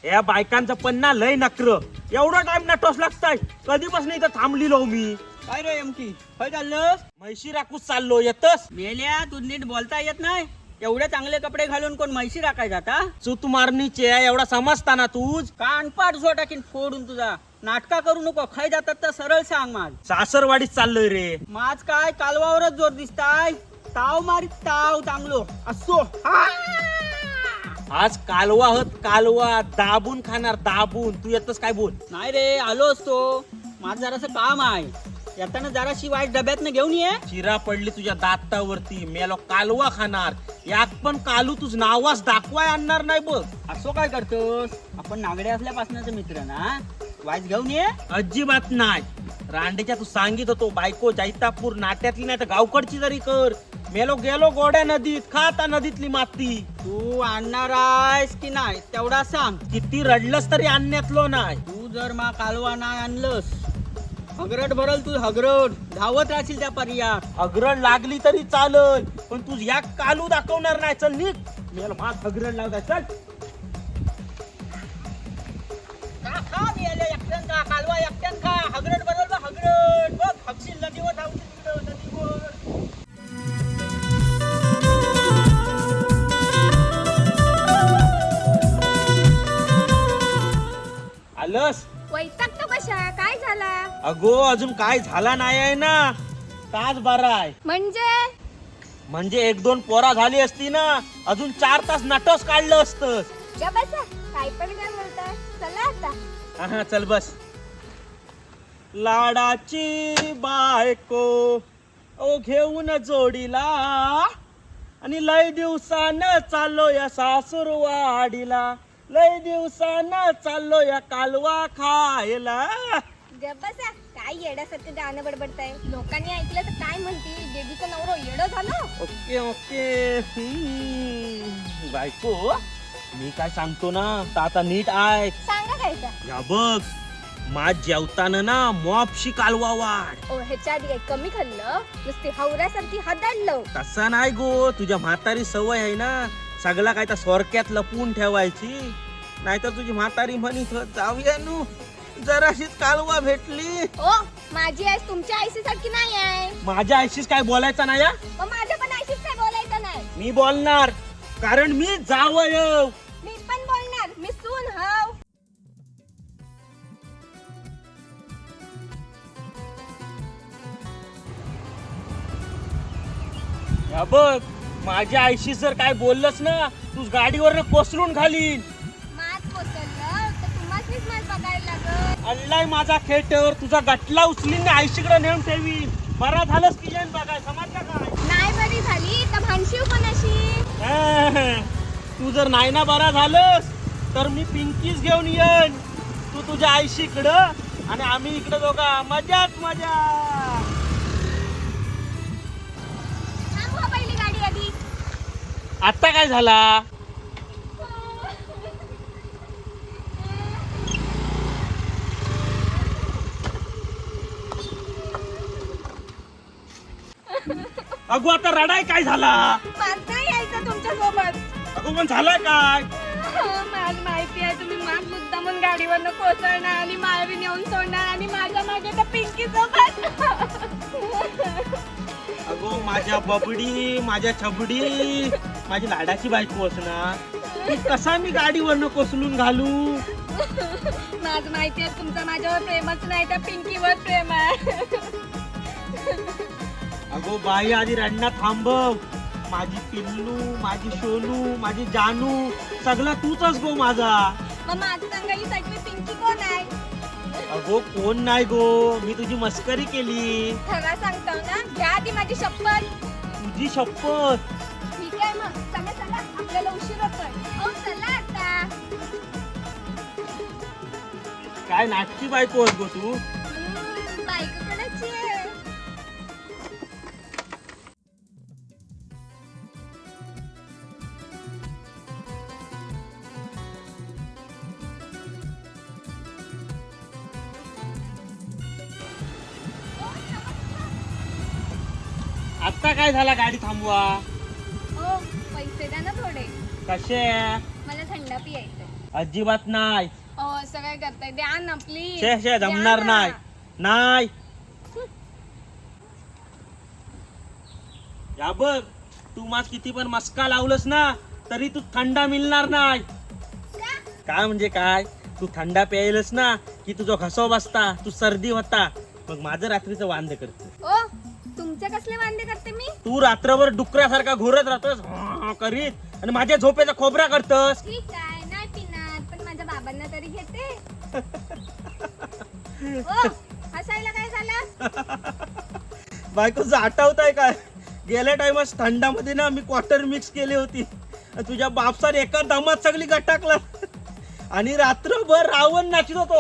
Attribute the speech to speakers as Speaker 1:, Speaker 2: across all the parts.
Speaker 1: या बायकांचं पन्ना लय नकर एवढा टाइम नटोस लागताय कधीपासून इथं थांबलीलो मी.
Speaker 2: काय रे एमकी काय चाललं?
Speaker 1: म्हैशी राखूच चाललो येतस.
Speaker 2: मेल्या तू नीट बोलता येत नाही. एवढे चांगले कपडे घालून कोण म्हैशी राखाय जाता?
Speaker 1: चूत मारणीचे एवढा समजताना तूच.
Speaker 2: कानपाट झो टाकीन फोडून तुझा. नाटका करू नको. खाय जातात तर सरळ सांग माझ.
Speaker 1: सासरवाडीत चाललोय रे.
Speaker 2: माझ काय कालवावरच जोर दिसताय. ताव मारीत ताव चांगलो असो.
Speaker 1: आज कालवा हत कालवा दाबून खाणार दाबून. तू येतस काय बोल.
Speaker 2: नाही रे आलो असतो. माझं जरासं काम आहे. येताना जराशी वाईट डब्यातनं घेऊन ये.
Speaker 1: चिरा पडली तुझ्या दातावरती मेलो कालवा खाणार. यात पण कालू तुझ नावास दाखवाय आणणार नाही बघ.
Speaker 2: असो काय करतोस? आपण नागडे असल्यापासूनच मित्र ना. वाईट घेऊन ये.
Speaker 1: अजिबात नाही. रांडेच्या तू सांगित होतो बायको जैतापूर नाट्यातली नाही तर गावकडची जरी कर. मेलो गेलो गोड्या नदीत खाता नदीतली माती.
Speaker 2: तू आणणार आहेस की नाही तेवढा सांग.
Speaker 1: किती रडलंस तरी आणण्यातलो नाही.
Speaker 2: तू जर मा कालवा नाही आणलंस हगरट भरल तू हगरट. धावत राहशील त्या पर्यात.
Speaker 1: हगरड लागली तरी चालल पण तू या कालू दाखवणार नाही. चल निघ. मेलो माझ हगरड लावताय चल.
Speaker 2: खा मेले एकट्यान खा. कालवा एकट्यान खा. हगरट भरल बा हगरट. बघ हगशील नदीवर धावशील तिकडं नदीवर.
Speaker 1: आलस.
Speaker 3: वैतागतो कशा? काय झाला?
Speaker 1: अगो अजून काय झाला नाही आहे ना. तास बरा आहे म्हणजे एक दोन पोरा झाली असती ना अजून 4 तास नटस काढलं असतं.
Speaker 3: या बसा. काय पण काय बोलताय? चला आता.
Speaker 1: हा चल बस. लाडाची बायको ओ घेऊन जोडीला आणि लय दिवसानं चाललो या सासूरवाडीला. लय दिवसानं चाललो या कालवा खायला.
Speaker 3: गप बसा. काय येड्यासारखं गाणं बडबडताय? लोकांनी ऐकलं तर काय म्हणतील? बेबीचं नवरो येडं झालं.
Speaker 1: Okay okay. बायको मी काय सांगतो ना तर आता नीट आहे.
Speaker 3: सांगा खायचा.
Speaker 1: या बघ माझ जेवताना ना मॉपशी कालवा वाढ.
Speaker 3: ओ ह्याच्या आधी काही कमी खाल्लं? नुसती हवऱ्यासारखी हदाडलं.
Speaker 1: तसा नाही गो. तुझ्या म्हातारी सवय आहे ना सगळा काय त्या सोरक्यात लपवून ठेवायची. नाहीतर तुझी म्हातारी म्हणत जाऊया नू जराशीच कालवा भेटली.
Speaker 3: ओ माझी आई तुमच्या आईशी सारखी नाही आहे.
Speaker 1: माझ्या आईशीच काय बोलायचं नाही.
Speaker 3: मग माझ्या पण आईशीच काय बोलायचं नाही.
Speaker 1: मी बोलणार कारण मी जावय.
Speaker 3: मी पण बोलणार. मी सून हाव.
Speaker 1: या बघ माझ्या आईशी जर काय बोललंस ना तू गाडीवर कोसळून घालीन.
Speaker 3: मात कोसळलं तर तुम्हासनीच मात बघायला लागत.
Speaker 1: अल्लाय माझा खेटर तुझा गटला उचलीन आईशीकडे नेऊन ठेवीन. बरा झालंस की जेन बघाय समजलं काय.
Speaker 3: नाही बरी झाली तर भांडशीव कोणाशी?
Speaker 1: तू जर नाही ना बरा झालंस तर मी पिंकीच घेऊन येईन. तू तुझ्या आईशीकडं आणि आम्ही इकडे दोघा मजाच मजा.
Speaker 3: थांबवा पहिली गाडी आधी.
Speaker 1: आता काय झाला? अगो आता रडाय काय झाला?
Speaker 3: मला नाही यायचं तुमच्या सोबत.
Speaker 1: अगो पण झालाय काय?
Speaker 3: मला माहिती आहे तुम्ही माझ मुद्दामून गाडीवरनं कोसळणार आणि माळवी नेऊन सोडणार आणि माझ्या मागे त्या पिंकी सोबत.
Speaker 1: अगो माझ्या बबडी माझ्या छबडी माझी लाडाची बायको असणार. ती कसा मी गाडीवरनं कोसळून घालू?
Speaker 3: माझं माहिती आहे तुमचं माझ्यावर प्रेमच नाही त्या पिंकीवर प्रेम आहे.
Speaker 1: अगो बाई आधी रडणं थांबव. माझी पिल्लू माझी शोनू माझी जानू सगळा तूच गो माझा.
Speaker 3: मग माझं सांगायसाठी मी पिंकी कोण आहे?
Speaker 1: अगो कोण नाही गो. मी तुझी मस्करी केली.
Speaker 3: खरा सांगतो ना. घ्या आधी माझी शपथ.
Speaker 1: तुझी शपथ.
Speaker 3: ठीक आहे मग चला चला आपल्याला उशीर होतोय. ओ चला आता.
Speaker 1: काय नाटकी बायको आहेस गो तू.
Speaker 3: बायको कोणाची आहे?
Speaker 1: आता काय झाला गाडी थांबवा.
Speaker 3: ओ पैसे द्या ना थोडे.
Speaker 1: कसे?
Speaker 3: मला थंड पियायचं.
Speaker 1: अजिबात नाही.
Speaker 3: असं काय करताय, द्या ना प्लीज.
Speaker 1: शे जमणार नाही. नाही या बघ, तू माझ किती पण मस्का लावलंस ना तरी तू थंडा मिळणार नाही. काय म्हणजे काय, तू थंडा प्यायलस ना की तुझा घसा बसता, तू सर्दी होता, मग माझं रात्रीचं वांद करते.
Speaker 3: ओ तुमचे कसले वांदे करते मी?
Speaker 1: तू रात्रभर डुकऱ्यासारखा घोरत राहतोस करीत आणि माझ्या झोपेचा खोबरा करतस.
Speaker 3: ठीक आहे, नाही पिणार, पण माझ्या बाबांना तरी घेते. ओ हसायला काय झालं?
Speaker 1: बायकोचं आठवतंय काय, गेल्या टाइमस थंडामध्ये ना मी क्वार्टर मिक्स केली होती, तुझ्या बापसाने एका दमात सगळी गटाकला आणि रात्रभर रावण नाचत होतो.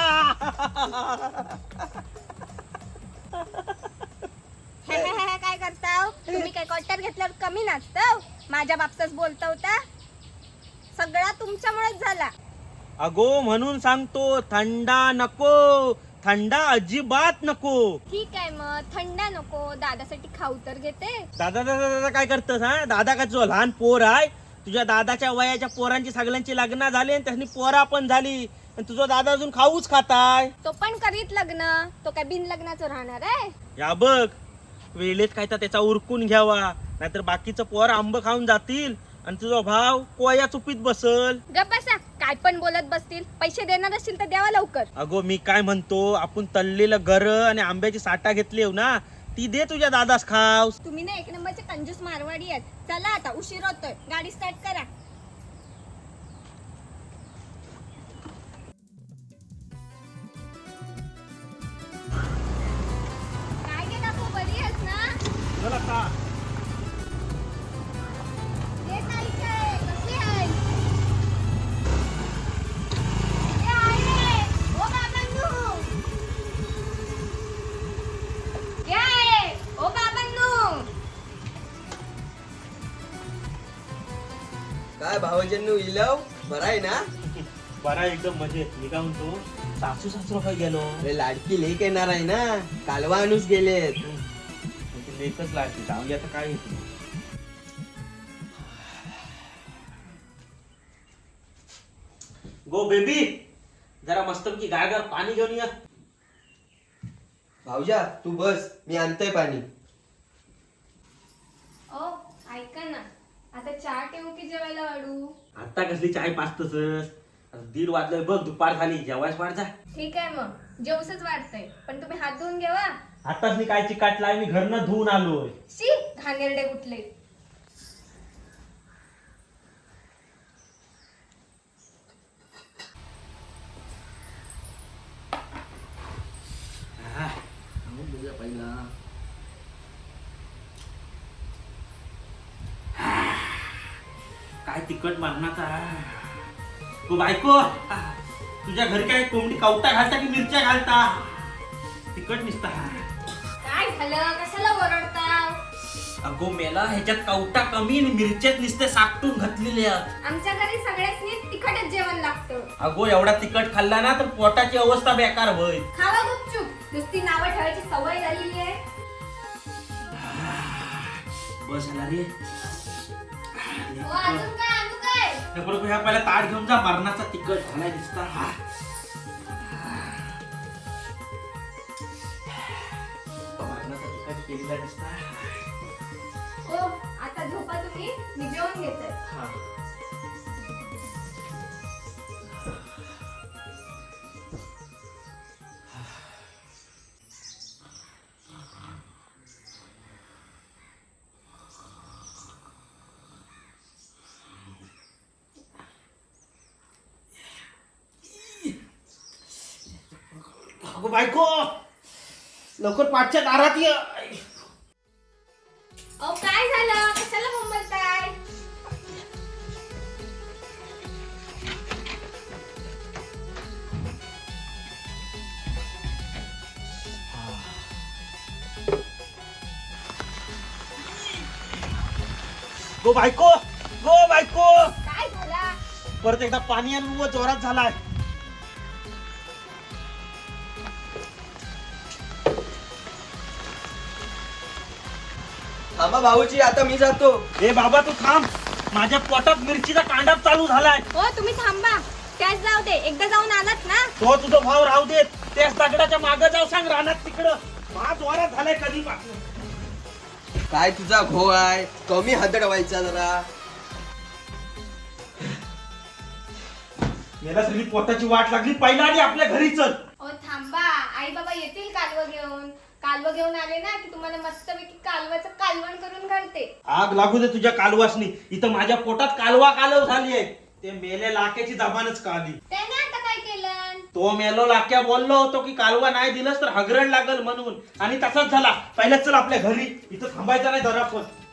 Speaker 3: काय करताव तुम्ही? काय क्वार्टर घेतल्यावर कमी नाचताव? माझ्या बाबसाच बोलता होता, सगळा तुमच्यामुळेच झाला.
Speaker 1: अगो म्हणून सांगतो, थंडा नको, थंडा अजिबात नको.
Speaker 3: ठीक आहे मग, थंडा नको, दादासाठी खाऊ तर घेते.
Speaker 1: दादा दादा दादा काय करतस? हा दादा का तुझा लहान पोर आहे? तुझ्या दादाच्या वयाच्या पोरांची सगळ्यांची लग्न झाली आणि त्यांनी पोरा पण झाली, आणि तुझा दादा अजून खाऊच खाताय.
Speaker 3: तो पण करीत लग्न, तो काय बिन लग्नाचं राहणार आहे?
Speaker 1: या बघ, वेळेत काय तर त्याचा उरकून घ्यावा, नाहीतर बाकीचं पोर आंब खाऊन जातील आणि तुझा भाव कोया चुपीत बसल.
Speaker 3: गप्प बसा, काय पण बोलत बसतील. पैसे देणार असतील तर द्यावा लवकर.
Speaker 1: अगो मी काय म्हणतो, आपण तळलेलं गर आणि आंब्याची साठा घेतली हो ना, ती दे तुझ्या दादास खाव.
Speaker 3: तुम्ही ना एक नंबरचे कंजूस मारवाडी आहेत. चला आता, उशीर होतोय, गाडी स्टार्ट करा. काय गे काकू, बरी आहेस ना?
Speaker 1: चला का
Speaker 3: ये ताई, काय कशी आहेस? ये आहे, ओ बाबांनो. ये आहे, ओ बाबांनो.
Speaker 4: काय भावजन्नू इलव बरं आहे ना?
Speaker 1: बरा एकदम मजेत. मी काय म्हणतो, सासू सासू काय गेलो
Speaker 4: अरे लाडकी लेक येणार आहे ना, कालवा आणूस गेलेत.
Speaker 1: लेखच लागते, जाऊन आता काय होतं. गो बेबी, जरा मस्तपैकी गार पाणी घेऊन या.
Speaker 4: भाऊजा तू बस, मी आणतोय पाणी.
Speaker 3: ओ ऐका ना, आता चहा ठेवू की जेवायला वाढू?
Speaker 1: आता कसली चाय पाचतस? 1:30 वाजले बघ, दुपार झाली, जेवायच वाढ जा.
Speaker 3: ठीक आहे मग, जेवसच वाढतंय, पण तुम्ही हात धुवून घ्यावा.
Speaker 1: आताच मी काय चिकाटलाय, मी घरनं धुवून आलोय.
Speaker 3: शी घाणेरडे कुठले.
Speaker 1: काय तिखट मारणाचा. तू बायको, तुझ्या घरी काय कोंबडी कवटा घालता की मिरच्या घालता? तिखट निसता.
Speaker 3: काय झालं, कशाला ओरडता?
Speaker 1: अगो मेला, ह्याच्यात कवटा कमी आणि मिरच्यात निसते साकटून घातलेल्या.
Speaker 3: आमच्या घरी सगळ्यांनी तिखटच जेवण लागतं.
Speaker 1: अगो एवढा तिखट खाल्ला ना तर पोटाची अवस्था बेकार होईल.
Speaker 3: खावा गुपचूप, नुसती नावं ठेवायची सवय झालेली आहे.
Speaker 1: बस झाला रे.
Speaker 3: ओ अजून काय आणू काय?
Speaker 1: बरोबर, ह्या पहिला ताट घेऊन जा, मरणाचा तिखट झालाय दिसता. मरणाचा तिखट केलेला दिसता.
Speaker 3: ओ आता झोपा तुम्ही, मी जेवण घेते.
Speaker 1: हा. अगो बायको, लवकर पाठच्या दारात ये.
Speaker 3: ओ काय झालं, कशाला मुंबलताय?
Speaker 1: गो बायको, गो बायको,
Speaker 3: काय झाला?
Speaker 1: परत एकदा पाणी आणि व जोरात झालाय.
Speaker 4: थांबा भाऊजी, आता मी जातो.
Speaker 1: ए बाबा तू थांब, माझ्या पोटात मिरचीचा कांडाप चालू झालाय.
Speaker 3: ओ तुम्ही थांबा, त्याच जाऊ दे, एकदा जाऊन आलात ना.
Speaker 1: तो तुझा भाव राहू देत, त्याच दगडाच्या मागं जाऊ सांग रानात तिकडं. माझ वारात झालाय कधीपासून.
Speaker 4: काय तुझा घो आहे, कमी हदडवायचा जरा.
Speaker 1: मला सगळी पोटाची वाट लागली, पहिला आणि आपल्या घरी चल.
Speaker 3: ओ थांबा, आई बाबा येतील कालवं घेऊन. कालवं घेऊन आले ना की तुम्हाला मस्तपैकी कालवाचं कालवण करून घालते.
Speaker 1: आग लागू दे तुझ्या कालवासनी. इथं माझ्या पोटात कालवा कालव झालीये. ते मेले लाक्याची जबानच काढली.
Speaker 3: त्याने आता काय केलं?
Speaker 1: तो मेलो लाक्या बोललो होतो की कालवा नाही दिलंस तर हगरण लागल म्हणून, आणि तसाच झाला. पहिल्याच चल आपल्या घरी, इथं थांबायचं नाही जरा पण.